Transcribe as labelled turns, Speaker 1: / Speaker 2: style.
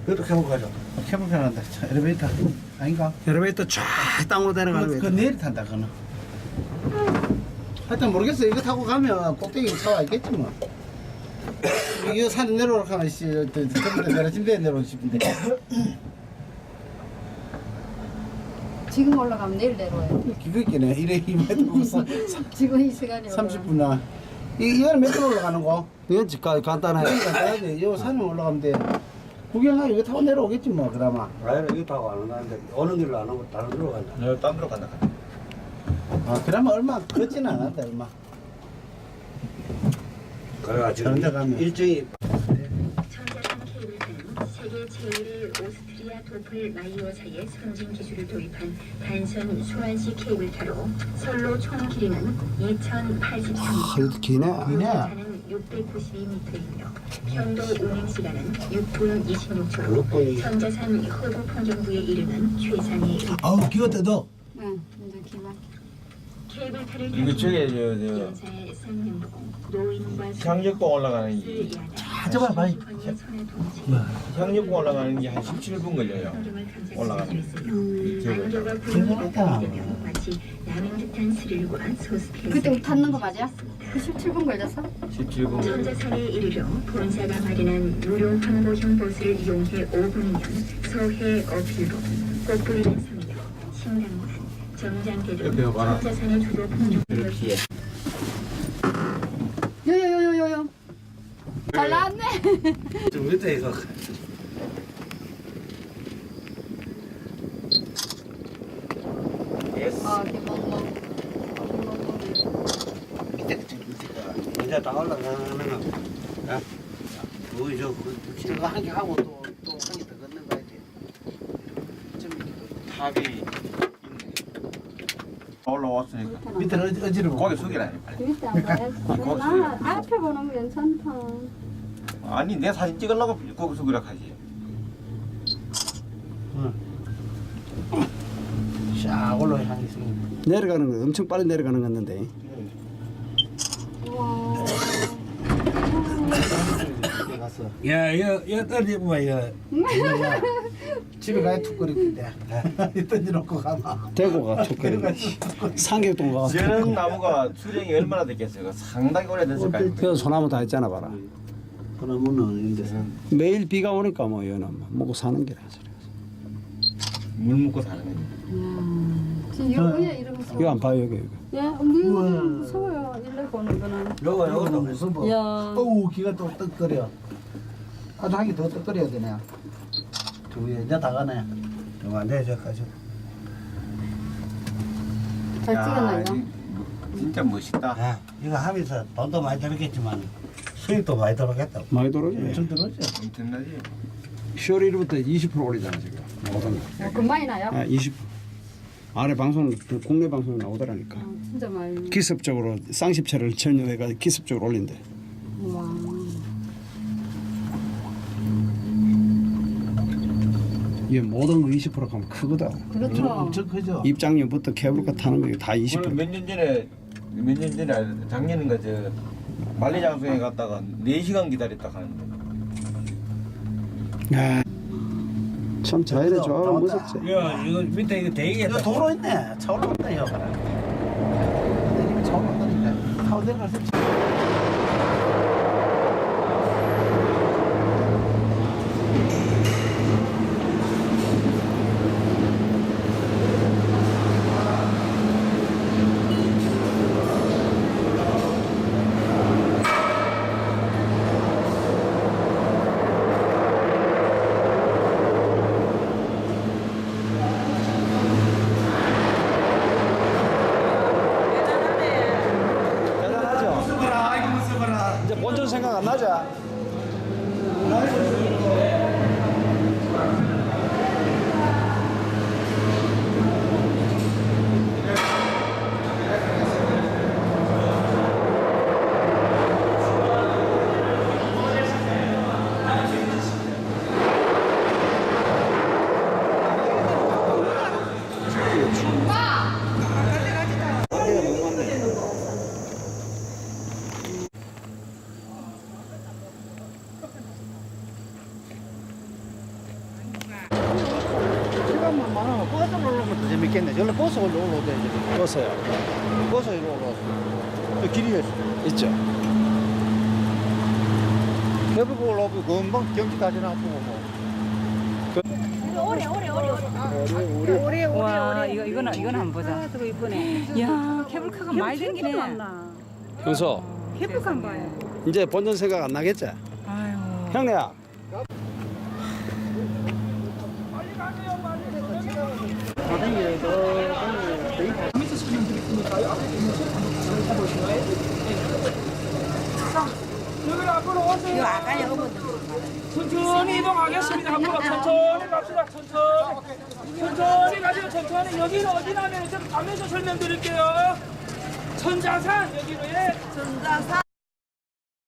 Speaker 1: 그것도 케이블 가죠.
Speaker 2: 케이블 편한다. 엘리베이터 아닌가?
Speaker 3: 엘리베이터 쫙 땅으로 내려가는
Speaker 2: 그
Speaker 3: 거.
Speaker 2: 내일 탄다 그는. 하여튼 모르겠어. 이거 타고 가면 꼭대기 차와 있겠지 뭐. 이거 산에 내려오라 하면 씨, 내려진 데 내려오고 싶은데.
Speaker 4: 지금 올라가면 내일 내려와요.
Speaker 2: 기겁기네. 이래 이만 타고서
Speaker 4: 지금 이 시간에
Speaker 2: 30분나. 이거는 몇 분 올라가는 거?
Speaker 3: 이건 간단해.
Speaker 2: 그러니까 가야 돼. 이 산에 올라가면 돼. 구경하고 이거 타고 내려오겠지 뭐 그나마.
Speaker 1: 아니, 이거 타고 안 오는데, 오는 길로 안 오고 다른 데로 간다.
Speaker 5: 네, 딴 데로 간다.
Speaker 2: 아 그나마 얼마 걷지는 않았다 얼마.
Speaker 1: 그래가지고
Speaker 2: 다른 데 가면.
Speaker 1: 일정이
Speaker 6: 전자상 케이블카는 세계 제1의 오스트리아 도플 마이어사의 선진 기술을 도입한 단선 소환식 케이블카로 선로 총 길이는 2,083m,
Speaker 3: 아, 이거 기네.
Speaker 6: 연차는 692m이며 편도 운행 시간은 6분 26초로
Speaker 1: 6분이.
Speaker 6: 전자산 허브 풍경부에 이르는 최상의
Speaker 2: 아우 기가 떼도.
Speaker 4: 응, 이제 기만.
Speaker 6: 케이블카를
Speaker 5: 이거 저게
Speaker 6: 연사의 상명동 노인과
Speaker 5: 향역봉 올라가는 게
Speaker 2: 저봐 봐이.
Speaker 5: 향역봉 올라가는 게 한 17분 걸려요. 올라가는
Speaker 6: 안개가
Speaker 2: 대단하다.
Speaker 6: 분위기가 마치 나는 듯한 스릴과 소스페이스.
Speaker 4: 그때 탔는 거 맞아? 그 17분 걸렸어?
Speaker 5: 17분.
Speaker 6: 전자산에 이르러 본사가 마련한 무료 항보형 버스를 이용해 5분이면 서해 어필로 꽃뿌리는 섬이나 신당문, 정장대 등
Speaker 5: 옆에 봐라.
Speaker 6: 전자산의 주로 풍경을
Speaker 5: 이렇게.
Speaker 4: 요요요요요. 잘 나왔네.
Speaker 1: 좀 밑에 이거.
Speaker 4: 아, 기멍멍.
Speaker 2: 밑에 밑에가.
Speaker 1: 이제 다 올라가는 거. 야, 거기
Speaker 2: 저거 한 개 하고 또 한 개 더 걷는 거야 돼. 좀
Speaker 5: 탑이 있네. 올라왔으니까.
Speaker 2: 밑에는 어지러워.
Speaker 5: 거기 숙이라니.
Speaker 4: 그 밑에 안 봐야지. 앞에 보는 거 괜찮다.
Speaker 5: 아니 내 사진 찍으려고 거기 숙이라 하지.
Speaker 2: 샤 올라와 향이 있으면.
Speaker 3: 내려가는 거 엄청 빨리 내려가는 건데.
Speaker 4: 우와.
Speaker 2: 집에 가서.
Speaker 1: 야, 이거 떨어지면 이거.
Speaker 2: 집에 가야 툭 거리는데. 던져놓고 가마.
Speaker 3: 대구가 촉거리네. 상격동 가서.
Speaker 5: 저런 나무가 수령이 얼마나 됐겠어요? 상당히 오래됐을 거예요.
Speaker 3: 그래서 소나무 다 했잖아 봐라.
Speaker 1: 그러면은 이제
Speaker 3: 매일 비가 오니까 뭐 이거는 먹고 사는 게라.
Speaker 5: 물 먹고 사는 거지.
Speaker 4: 지금 이거 그냥 이런 거
Speaker 3: 이거 안 봐요 여기.
Speaker 4: 야, 무서워요. 일레 보는 거는.
Speaker 1: 요거도
Speaker 2: 무슨
Speaker 4: 야.
Speaker 2: 어우 기가 또 떡거려. 아주 한 개 더 떡거려야 되네. 두 개, 이제 다 가네.
Speaker 1: 안 돼, 저까지.
Speaker 4: 잘 찍었나 이거?
Speaker 5: 진짜 멋있다.
Speaker 1: 야, 이거 하면서 돈도 많이 들었겠지만 수익도 많이 들었겠다.
Speaker 3: 많이 떨어져.
Speaker 2: 좀 들었죠.
Speaker 5: 엄청나지?
Speaker 3: 10월 1일부터 20% 올리잖아 지금. 모든 거.
Speaker 4: 금방이 나요?
Speaker 3: 아, 20%. 아래 방송 국내 방송에 나오더라니까.
Speaker 4: 진짜 많이.
Speaker 3: 기습적으로 쌍십체를 전용해가 기습적으로 올린대.
Speaker 4: 와.
Speaker 3: 이게 모든 거 20% 가면 크거든.
Speaker 4: 그렇죠.
Speaker 2: 엄청 크죠.
Speaker 3: 입장료부터 케이블카 타는 거 다 20%.
Speaker 5: 몇 년 전에 작년인가 저 만리장성에 갔다가 4시간 기다렸다 가는데.
Speaker 3: 야, 참 자연의 조화가 무섭지.
Speaker 1: 야, 이거 밑에 이거 대기가
Speaker 2: 이거 도로 있네. 차 올라온다 이거. 차 올라온다니까. 타고 내려갈 수 있지.
Speaker 3: 대단하죠.
Speaker 2: 사람만 많아. 버스 올라오면 더 재밌겠네. 저기 버스 올라오면 되지.
Speaker 3: 버스요.
Speaker 2: 버스 이리 올라왔어. 저 길이
Speaker 3: 있죠.
Speaker 2: 해보고 올라오면 금방 경치 다 지나고 뭐.
Speaker 7: 와 이거는 한번 보자.
Speaker 4: 저거 이쁘네.
Speaker 7: 야 케이블카가 많이 생기네.
Speaker 3: 형수,
Speaker 4: 케이블카 안 봐요.
Speaker 3: 이제 본전 생각 안 나겠지?
Speaker 7: 아유.
Speaker 3: 형네야.
Speaker 8: 여기 앞으로 오세요. 천천히 이동하겠습니다. 앞으로 천천히 갑시다. 천천히 가세요. 천천히. 여기는 어디냐면 좀 가면서 설명드릴게요. 천자산 여기로 예. 천자산.